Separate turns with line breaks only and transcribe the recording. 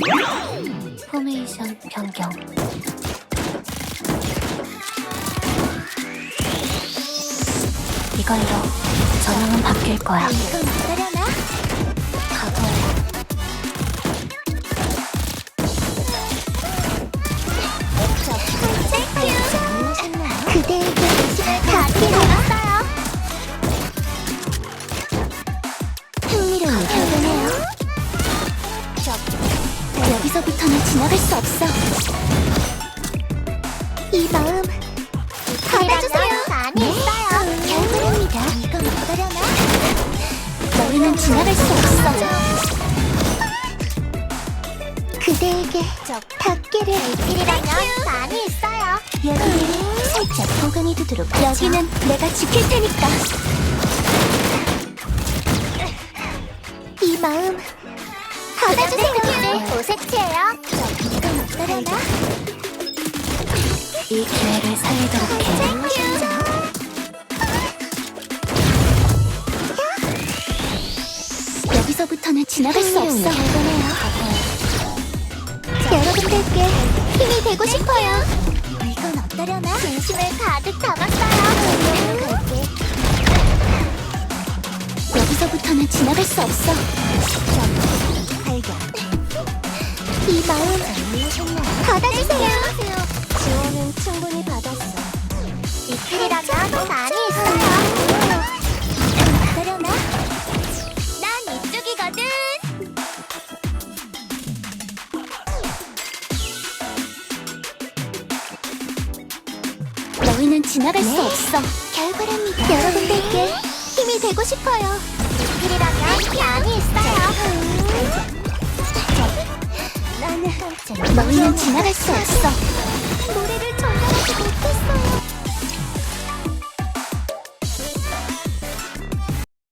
포메이션 변경. 이걸로 전형은 바뀔 거야.
이건 어떠려나?
바보야.
그대에게 닿기를 왔어요. 흥미로운 결과네요. 여기서부터는 지나갈 수 없어. 이 마음 받아주세요. 많이 있어요. 결과입니다. 이건 어떠려나? 너희는 지나갈 수 없어. 그대에게 닿기를 길이라면 많이 있어요. 여기는 살짝 보강해 두도록 하죠. 여기는 내가 지킬 테니까. 이 마음 받아주세요. 오색채예요. 이건 어떠려나?
이 기회를 살리도록 해.
여기서부터는 지나갈 수 없어. 여러분들께 힘이 되고 싶어요. 이건 어떠려나? 진심을 가득 담았어요. 여기서부터는 지나갈 수 없어. 발견. 이 마음 받아주세요. 지원은 충분히 받았어. 이틀이라면 많이 있어요. 어떠려나? 난 이쪽이거든. 너희는 지나갈 수 없어. 결과랍니다. 여러분들께 힘이 되고 싶어요. 이틀이라면 많이 있어요. 너희는 지나갈 수 없어. 노래를 전달.